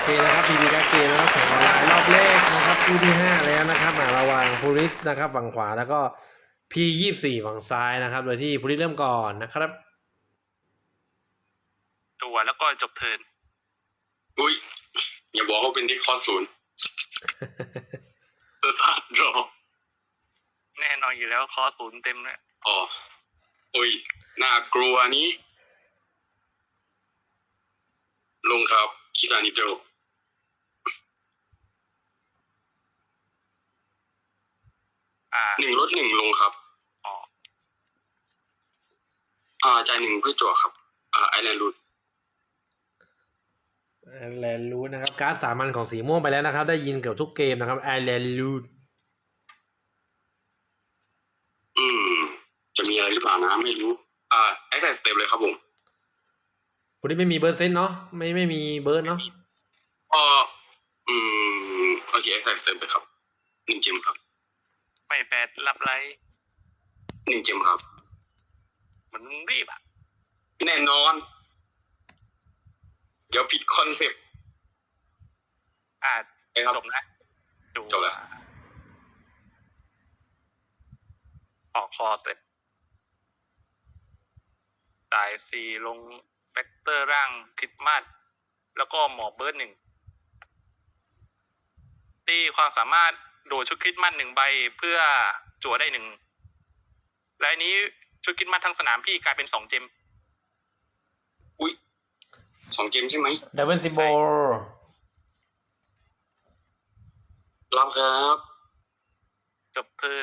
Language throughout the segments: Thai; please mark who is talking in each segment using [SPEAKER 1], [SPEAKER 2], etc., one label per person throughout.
[SPEAKER 1] เคนะครับพีบีการ์ดเกมนะครับแข่งออนไลน์รอบแรกนะครับคู่ที่5แล้วนะครับระหว่างพูริสนะครับฝั่งขวาแล้วก็P24ฝั่งซ้ายนะครับโดยที่พูริสเริ่มก่อนนะครับ
[SPEAKER 2] ตัวแล้วก็จบเทิร์น
[SPEAKER 3] อุ้ยอย่าบอกว่าเป็นที่คอศูนย์สตาร์ทรอ
[SPEAKER 2] แน่นอนอยู่แล้วคอศูนย์เต็มเลย
[SPEAKER 3] อ๋ออุ้ยน่ากลัวนี้ลงครับคิรานิโจ1 ลด 1ลงครับ
[SPEAKER 2] อ๋อ
[SPEAKER 3] จ่าย1เพื่อจั่วครับไอแลนด์รูท
[SPEAKER 1] แลนด์รูทนะครับการ์ดสามัญของสีม่วงไปแล้วนะครับได้ยินเกือบทุกเกมนะครับไอแลนด์รูท
[SPEAKER 3] จะมีอะไรหรือเปล่านะไม่รู้แอคแท็กสเต็ปเลยครับผม
[SPEAKER 1] พูริสไม่มีเบิร์ดเซนเนาะไม่มีเบิร์ดเนาะ
[SPEAKER 3] โอเคแอคแท็กสเต็ปเลยครับ1 เจมครับ
[SPEAKER 2] ไม่แปดรับไร
[SPEAKER 3] 1 เจมครับ
[SPEAKER 2] มันรีบอ่ะ
[SPEAKER 3] แน่นอนเดี๋ยวผิดคอนเซปต์
[SPEAKER 2] จบนะ
[SPEAKER 3] จบแล้ว
[SPEAKER 2] ออกคอเสร็จจ่าย4ลงแฟกเตอร์ร่างคริสต์มาสแล้วก็หมอเบิร์ด1ตีความสามารถโดดชุดคริสต์มาส1ใบเพื่อจั่วได้1และอันนี้ชุดคริสต์มาสทั้งสนามพี่กลายเป็น2 เจม
[SPEAKER 3] อุ้ย2 เจมใช่ไหม
[SPEAKER 1] ดับเบิลซิมโบล
[SPEAKER 3] รับครับ
[SPEAKER 2] จบเทิร์น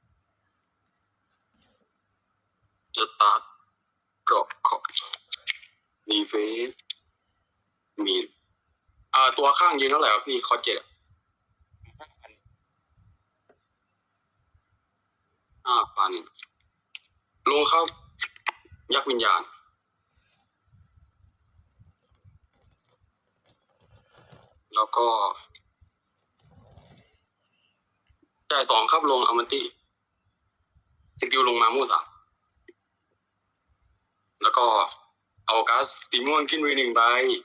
[SPEAKER 3] จะตัดกรอบขอบมีเฟสมีตัวข้างยืนเท่าไหร่ครับพี่คอ75,000ลงครับยักษ์วิญญาณแล้วก็จ่าย2ครับลงอัลมันตี้สกิลลงมามู่3แล้วก็เอาก๊าซสีม่วงขึ้นมือ1ใบ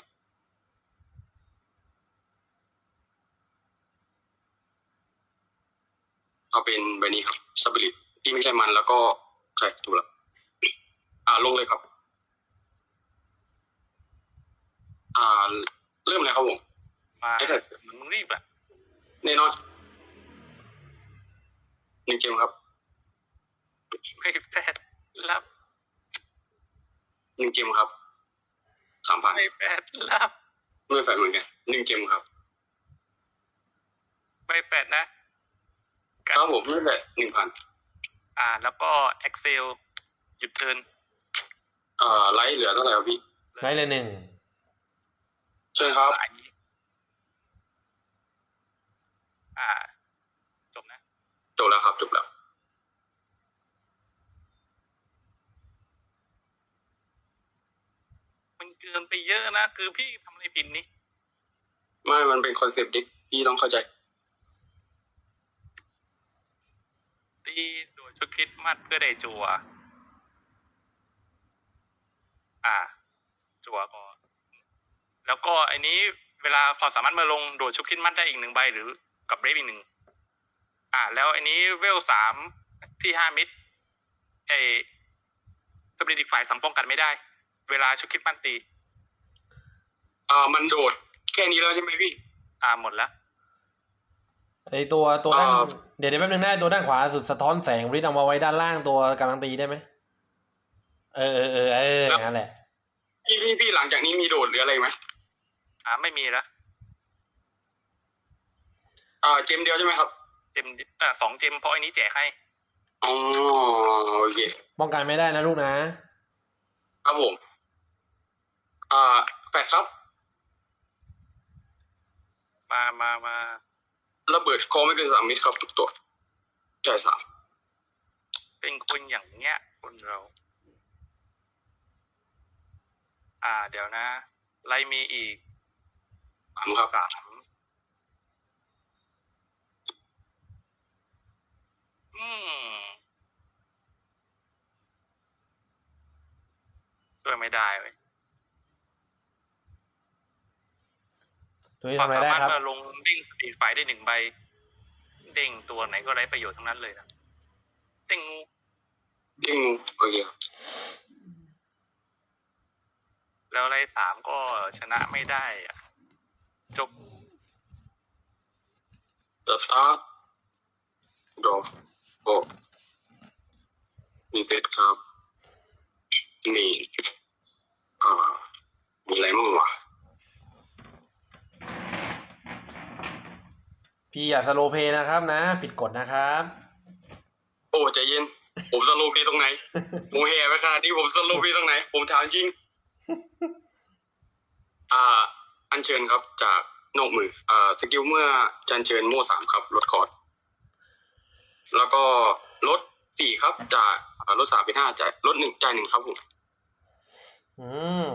[SPEAKER 3] เอาเป็นใบนี้ครับสปิริตที่ไม่ใช่มันแล้วก็ใช่ถูกแล้วลงเลยครับเริ่มเลยครับผม
[SPEAKER 2] มามันรีบอ่ะ
[SPEAKER 3] แน่นอน1 เจมครับ
[SPEAKER 2] ไม่แปดรับ
[SPEAKER 3] 1 เจมครับ3,000
[SPEAKER 2] ไม่แปดรับ
[SPEAKER 3] ไม่แฟนเหมือนกัน1 เจมครับ
[SPEAKER 2] ไม่แปดนะครับ
[SPEAKER 3] ผมไม่แฟน1,000
[SPEAKER 2] แล้วก็ Excel หยุดเทิร์น
[SPEAKER 3] ไลท์เหลือเท่าไหร่ครับพี่
[SPEAKER 1] ไลท์เลย1
[SPEAKER 3] เชิญครับ
[SPEAKER 2] จบนะ
[SPEAKER 3] จบแล้วครับจบแล้ว
[SPEAKER 2] มันเกินไปเยอะนะคือพี่ทำอะไรผิดนี่
[SPEAKER 3] ไม่มันเป็นคอนเซปต์เด็กพี่ต้องเข้าใจ
[SPEAKER 2] ตีโดยชุดคริสต์มาสเพื่อได้จั่วจั่วก่อนแล้วก็อันนี้เวลาความสามารถมาลงโดดชุดคริสต์มาสได้อีก1ใบหรือกับเบรฟอีก1แล้วอันนี้เวล3ที่5 มิดสปิริตอีกฝ่ายสัมป้องกันไม่ได้เวลาชุดคริสต์มาสตี
[SPEAKER 3] มันโดดแค่นี้แล้วใช่ไหมพี่
[SPEAKER 2] หมดแล้ว
[SPEAKER 1] ไอตัวด้านเดี๋ยวแป๊บนึงนะตัวด้านขวาสุดสะท้อนแสงพูริสเอามาไว้ด้านล่างตัวกำลังตีได้ไหมนั่นแหละ
[SPEAKER 3] พี่หลังจากนี้มีโดดหรืออะไรไหม
[SPEAKER 2] ไม่มีแล้ว
[SPEAKER 3] เจมเดียวใช่ไหมครับ
[SPEAKER 2] เจม2 เจมเพราะอันนี้แจกให้
[SPEAKER 3] โอเค
[SPEAKER 1] ป้องกันไม่ได้นะลูกนะครับ
[SPEAKER 3] ผมแปดครับ
[SPEAKER 2] มา
[SPEAKER 3] ระเบิดคอไม่เกิน3 เมตรครับทุกตัวจ่าย3
[SPEAKER 2] เป็นคนอย่างเงี้ยคนเราเดี๋ยวนะไลมีอีก
[SPEAKER 3] ครับ
[SPEAKER 2] ช่วยไม่ได้เลย
[SPEAKER 1] ตัวนี้
[SPEAKER 2] ความ
[SPEAKER 1] ทำอะไร
[SPEAKER 2] สา
[SPEAKER 1] ได้
[SPEAKER 2] มารถ
[SPEAKER 1] ครับ
[SPEAKER 2] เมื่อลงเด้งสปีดไฟได้1 ใบ เด้งตัวไหนก็ไร้ประโยชน์ทั้งนั้นเลยนะเด้งงู
[SPEAKER 3] ยิ่งโอเคครับ
[SPEAKER 2] แล้วไร้3ก็ชนะไม่ได้อะจบ
[SPEAKER 3] จะสตาร์ทดอกโอ้มีเฟสครับมีมีอะไรมั่งวะ
[SPEAKER 1] พี่อย่าสโลว์เพลย์นะครับนะ ผิดกฎนะครับ
[SPEAKER 3] โอ้ใจเย็น ผมสโลว์เพลย์ตรงไหน ผมแห่ไปขนาดนี้ผมสโลว์เพลย์ตรงไหน ผมถามจริง อัญเชิญครับจากนอกมือสกิลเมื่อจันเชิญโม่3ครับลดคอร์ดแล้วก็ลด4ครับจากลด3เป็น5จ่ายลด1จ่าย1ครับผม
[SPEAKER 1] อืม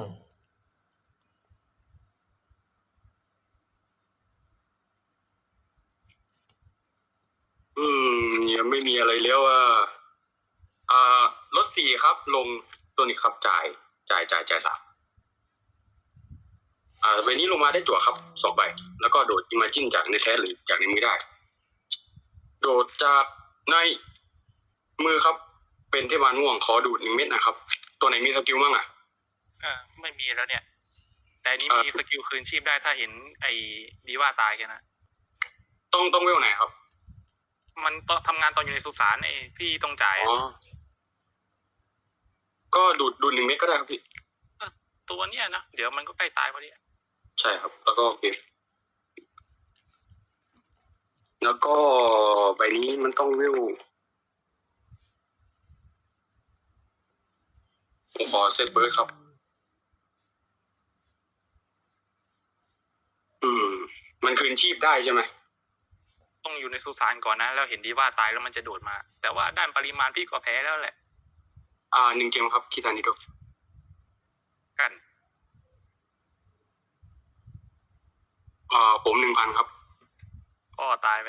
[SPEAKER 3] ยังไม่มีอะไรแล้วลด4ครับลงตัวนี้ครับจ่าย3ใบนี้ลงมาได้จั่วครับ2ใบแล้วก็โดดอิมาจินจากในแท้หรือจากในมือได้ โดดจากในมือครับ เป็นเทพมารม่วงขอดูด1 เม็ดนะครับ ตัวไหนมีสกิลบ้างอ่ะ
[SPEAKER 2] ไม่มีแล้วเนี่ย แต่อันนี้มีสกิลคืนชีพได้ถ้าเห็นไอ้ดีว่าตายแค่นะ
[SPEAKER 3] ต้องเวลไหนครับ
[SPEAKER 2] มันต้องทำงานตอนอยู่ในสุสานไอ้พี่ต้องจ่าย
[SPEAKER 3] อ๋อ ก็ดูด1 เม็ดก็ได้ครับพี่
[SPEAKER 2] ตัวเนี้ยนะเดี๋ยวมันก็ใกล้ตายพอดี
[SPEAKER 3] ใช่ครับ แล้วก็เก็บแล้วก็ใบนี้มันต้องเวลผมขอเซตเบิร์ดครับ มันคืนชีพได้ใช่ไหม
[SPEAKER 2] ต้องอยู่ในสุสานก่อนนะแล้วเห็นดีว่าตายแล้วมันจะโดดมา แต่ว่าด้านปริมาณพี่ก็แพ้แล้วแหละ
[SPEAKER 3] 1 เกมครับคิดานิโด
[SPEAKER 2] กัน
[SPEAKER 3] ผม 1,000 ครับ
[SPEAKER 2] ก็ตายไป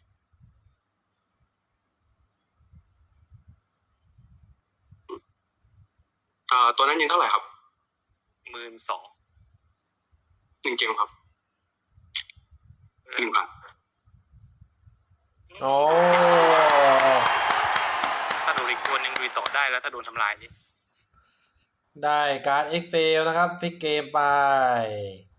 [SPEAKER 3] ตัวนั้นยิงเท่าไหร่ครับ
[SPEAKER 2] 12,000
[SPEAKER 3] 1 เกมครับ 1,000
[SPEAKER 1] โอ้
[SPEAKER 2] ถ้าโดนอีกตัวหนึ่งดูต่อได้แล้วถ้าโดนทำลายนี่
[SPEAKER 1] ได้การ์ด Excel นะครับพลิกเกมไป